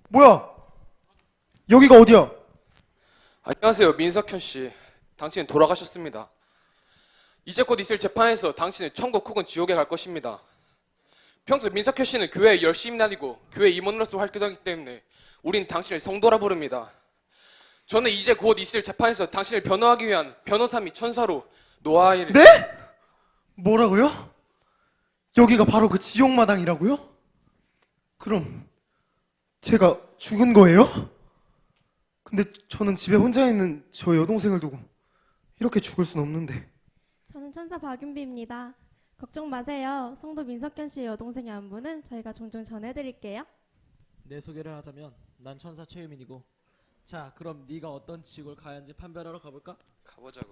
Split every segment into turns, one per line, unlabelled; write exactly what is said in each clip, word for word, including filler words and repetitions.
뭐야? 여기가 어디야?
안녕하세요, 민석현 씨. 당신은 돌아가셨습니다. 이제 곧 있을 재판에서 당신은 천국 혹은 지옥에 갈 것입니다. 평소 민석현 씨는 교회에 열심히 다니고 교회 임원으로서 활동하기 때문에 우린 당신을 성도라 부릅니다. 저는 이제 곧 있을 재판에서 당신을 변호하기 위한 변호사 및 천사로 노아이를...
네? 뭐라고요? 여기가 바로 그 지옥마당이라고요? 그럼 제가 죽은 거예요? 근데 저는 집에 혼자 있는 저 여동생을 두고 이렇게 죽을 순 없는데.
저는 천사 박윤비입니다. 걱정 마세요. 성도 민석현 씨의 여동생의 안부는 저희가 종종 전해드릴게요.
내 소개를 하자면 난 천사 최유민이고, 자 그럼 네가 어떤 지옥을 가야 하는지 판별하러 가볼까?
가보자고.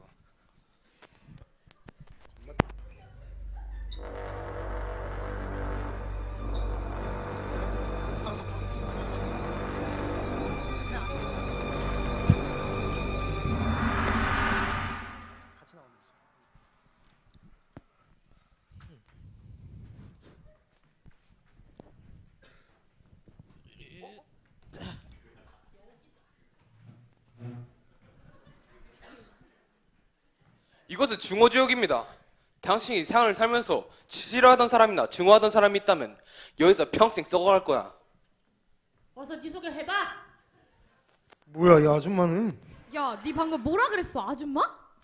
이것은 증오지옥입니다. 당신이 생활을 살면서 지지하던 사람이나 증오하던 사람이 있다면 여기서 평생 썩어갈 거야.
어서 네 소개를 해봐.
뭐야, 이 아줌마는?
야, 네 방금 뭐라 그랬어, 아줌마?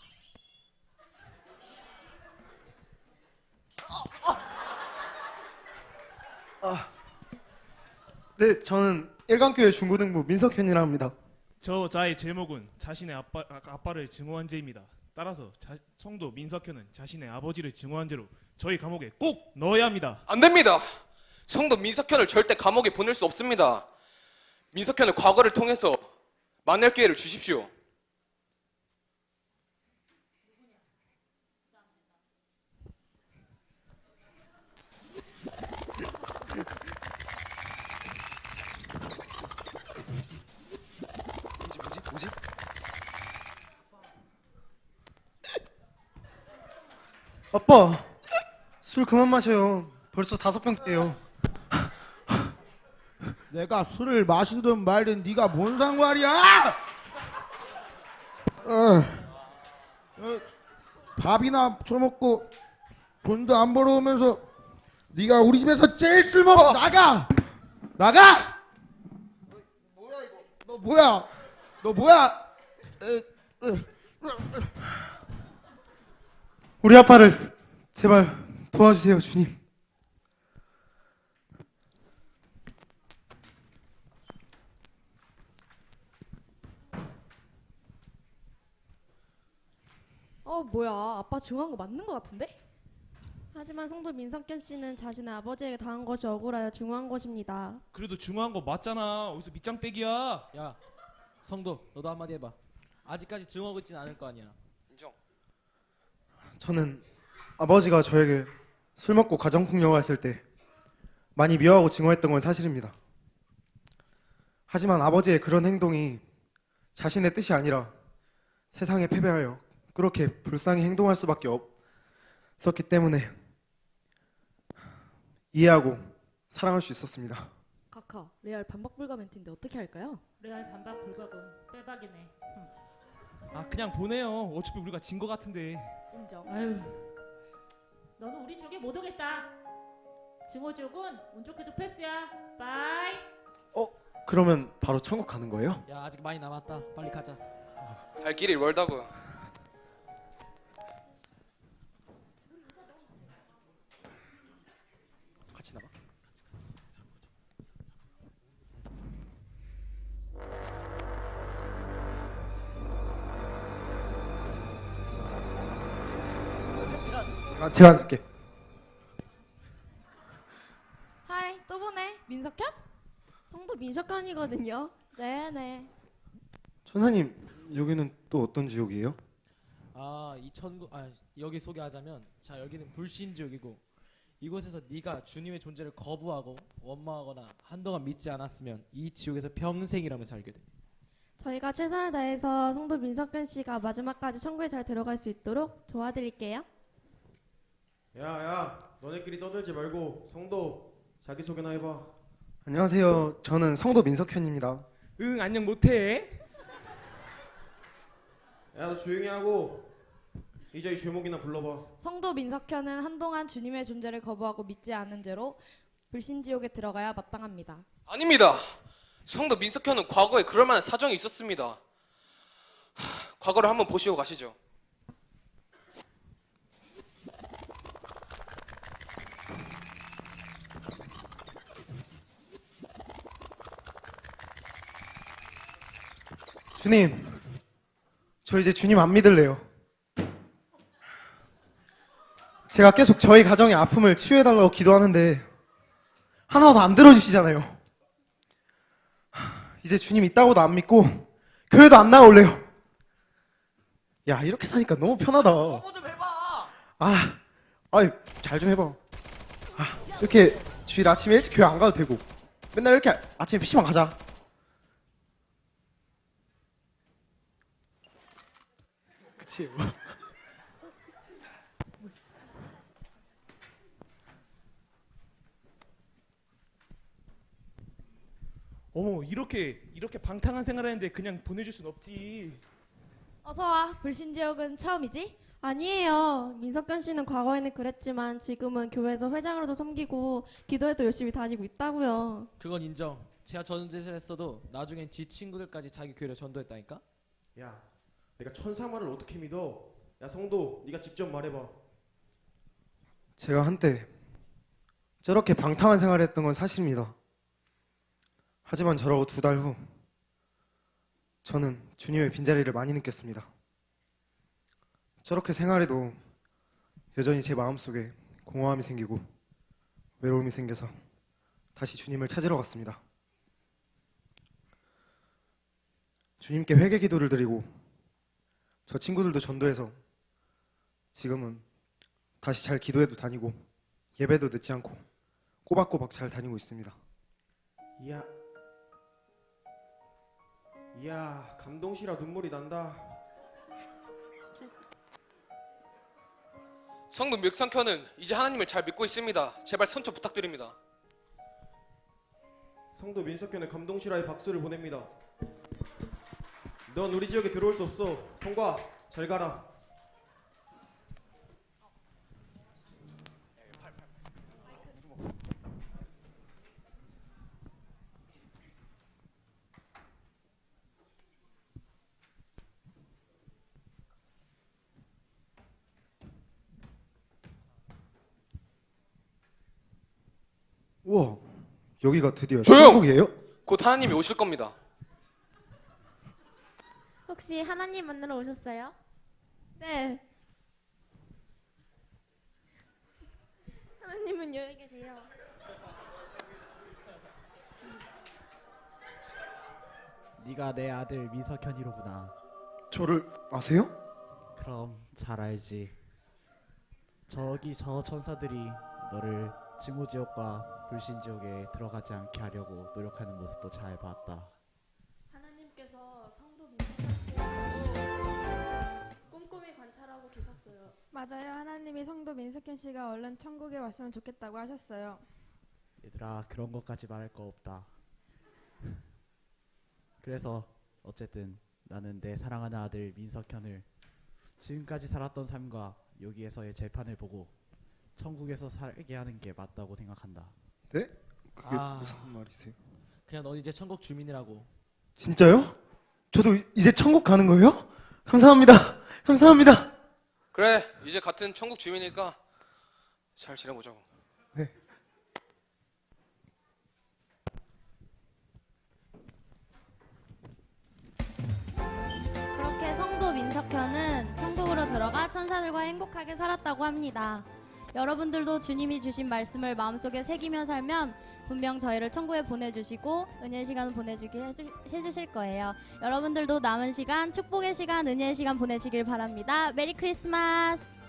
네, 저는 일강교회 중고등부 민석현이라 합니다.
저 자의 제목은 자신의 아빠, 아, 아빠를 증오한 죄입니다. 따라서 자, 성도 민석현은 자신의 아버지를 증오한 죄로 저희 감옥에 꼭 넣어야 합니다.
안 됩니다. 성도 민석현을 절대 감옥에 보낼 수 없습니다. 민석현의 과거를 통해서 만날 기회를 주십시오.
뭐지, 뭐지, 뭐지? 아빠, 술 그만 마셔요. 벌써 다섯 병째예요.
내가 술을 마시든 말든 네가 뭔 상관이야? 어, 어, 밥이나 처먹고 돈도 안 벌어오면서 네가 우리 집에서 제일 술 먹어. 나가! 나가! 너, 뭐야 이거? 너 뭐야? 너 뭐야? 에, 에,
우리 아빠를 제발 도와주세요, 주님.
어, 뭐야. 아빠 증오한 거 맞는 거 같은데?
하지만 성도 민석현 씨는 자신의 아버지에게 당한 것이 억울하여 증오한 것입니다.
그래도 중요한 거 맞잖아. 어디서 밑장 빼기야.
야 성도, 너도 한마디 해봐. 아직까지 증오하고 있진 않을 거 아니야.
인정.
저는 아버지가 저에게 술 먹고 가정폭력을 했을 때 많이 미워하고 증오했던 건 사실입니다. 하지만 아버지의 그런 행동이 자신의 뜻이 아니라 세상에 패배하여 그렇게 불쌍히 행동할 수밖에 없었기 때문에 이해하고 사랑할 수 있었습니다.
카카, 레알 반박 불가 멘트인데 어떻게 할까요?
레알 반박 불가군. 빼박이네.
아 그냥 보내요. 어차피 우리가 진 거 같은데.
인정.
아유, 너는 우리 지옥에 못 오겠다. 증오지옥은 운 좋게도 패스야. 바이.
그러면 바로 천국 가는 거예요?
야 아직 많이 남았다. 빨리 가자.
갈 길이 멀다고.
같이 나가. 제가 제가 앉을게.
하이, 또 보네. 민석현?
성도 민석현이거든요.
네네.
천사님, 여기는 또 어떤 지옥이에요?
아이 천국, 아 여기 소개하자면, 자 여기는 불신지옥이고, 이곳에서 네가 주님의 존재를 거부하고 원망하거나 한동안 믿지 않았으면 이 지옥에서 평생이라면 살게 돼.
저희가 최선을 다해서 성도 민석현 씨가 마지막까지 천국에 잘 들어갈 수 있도록 도와드릴게요.
야야, 너네끼리 떠들지 말고 성도 자기소개나 해봐.
안녕하세요. 저는 성도 민석현입니다.
응, 안녕 못해.
야, 너 조용히 하고 이제 이 죄목이나 불러봐.
성도 민석현은 한동안 주님의 존재를 거부하고 믿지 않은 죄로 불신지옥에 들어가야 마땅합니다.
아닙니다. 성도 민석현은 과거에 그럴 만한 사정이 있었습니다. 하, 과거를 한번 보시고 가시죠.
주님, 저 이제 주님 안 믿을래요. 제가 계속 저희 가정의 아픔을 치유해달라고 기도하는데 하나도 안 들어주시잖아요. 이제 주님 있다고도 안 믿고 교회도 안 나올래요. 야, 이렇게 사니까 너무 편하다.
뭐 좀 해봐.
아, 아이, 잘 좀 해봐. 아, 이렇게 주일 아침에 일찍 교회 안 가도 되고 맨날 이렇게 아침에 피시방 가자. 그치?
어머, 이렇게 이렇게 방탕한 생활하는데 그냥 보내줄 순 없지.
어서 와. 불신지옥은 처음이지?
아니에요. 민석현 씨는 과거에는 그랬지만 지금은 교회에서 회장으로도 섬기고 기도회도 열심히 다니고 있다고요.
그건 인정. 제가 전짓을 했어도 나중엔 지 친구들까지 자기 교회로 전도했다니까.
야, 내가 천사 말을 어떻게 믿어? 야, 성도, 네가 직접 말해봐.
제가 한때 저렇게 방탕한 생활을 했던 건 사실입니다. 하지만 저러고 두 달 후 저는 주님의 빈자리를 많이 느꼈습니다. 저렇게 생활해도 여전히 제 마음속에 공허함이 생기고 외로움이 생겨서 다시 주님을 찾으러 갔습니다. 주님께 회개 기도를 드리고 저 친구들도 전도해서 지금은 다시 잘 기도해도 다니고 예배도 늦지 않고 꼬박꼬박 잘 다니고 있습니다.
이야, 이야, 감동시라 눈물이 난다.
성도 민석현은 이제 하나님을 잘 믿고 있습니다. 제발 선처 부탁드립니다.
성도 민석현의 감동시라의 박수를 보냅니다. 넌 우리 지역에 들어올 수 없어. 통과, 잘 가라.
우와, 여기가 드디어
조용!
천국이에요?
곧 하나님이 오실 겁니다.
혹시 하나님 만나러 오셨어요?
네.
하나님은 여기 계세요.
네가 내 아들 민석현이로구나.
저를 아세요?
그럼 잘 알지. 저기 저 천사들이 너를 증오지옥과 불신지옥에 들어가지 않게 하려고 노력하는 모습도 잘 봤다.
하나님께서 성도 민석현 씨를 꼼꼼히 관찰하고 계셨어요.
맞아요. 하나님이 성도 민석현 씨가 얼른 천국에 왔으면 좋겠다고 하셨어요.
얘들아, 그런 것까지 말할 거 없다. 그래서 어쨌든 나는 내 사랑하는 아들 민석현을 지금까지 살았던 삶과 여기에서의 재판을 보고 천국에서 살게 하는 게 맞다고 생각한다.
네? 그게
아.
무슨 말이세요?
그냥 넌 이제 천국 주민이라고.
진짜요? 저도 이제 천국 가는 거예요? 감사합니다. 감사합니다.
그래, 이제 같은 천국 주민이니까 잘 지내보자고.
네.
그렇게 성도 민석현은 천국으로 들어가 천사들과 행복하게 살았다고 합니다. 여러분들도 주님이 주신 말씀을 마음속에 새기며 살면 분명 저희를 천국에 보내주시고 은혜의 시간을 보내주게 해주, 해주실 거예요. 여러분들도 남은 시간 축복의 시간, 은혜의 시간 보내시길 바랍니다. 메리 크리스마스!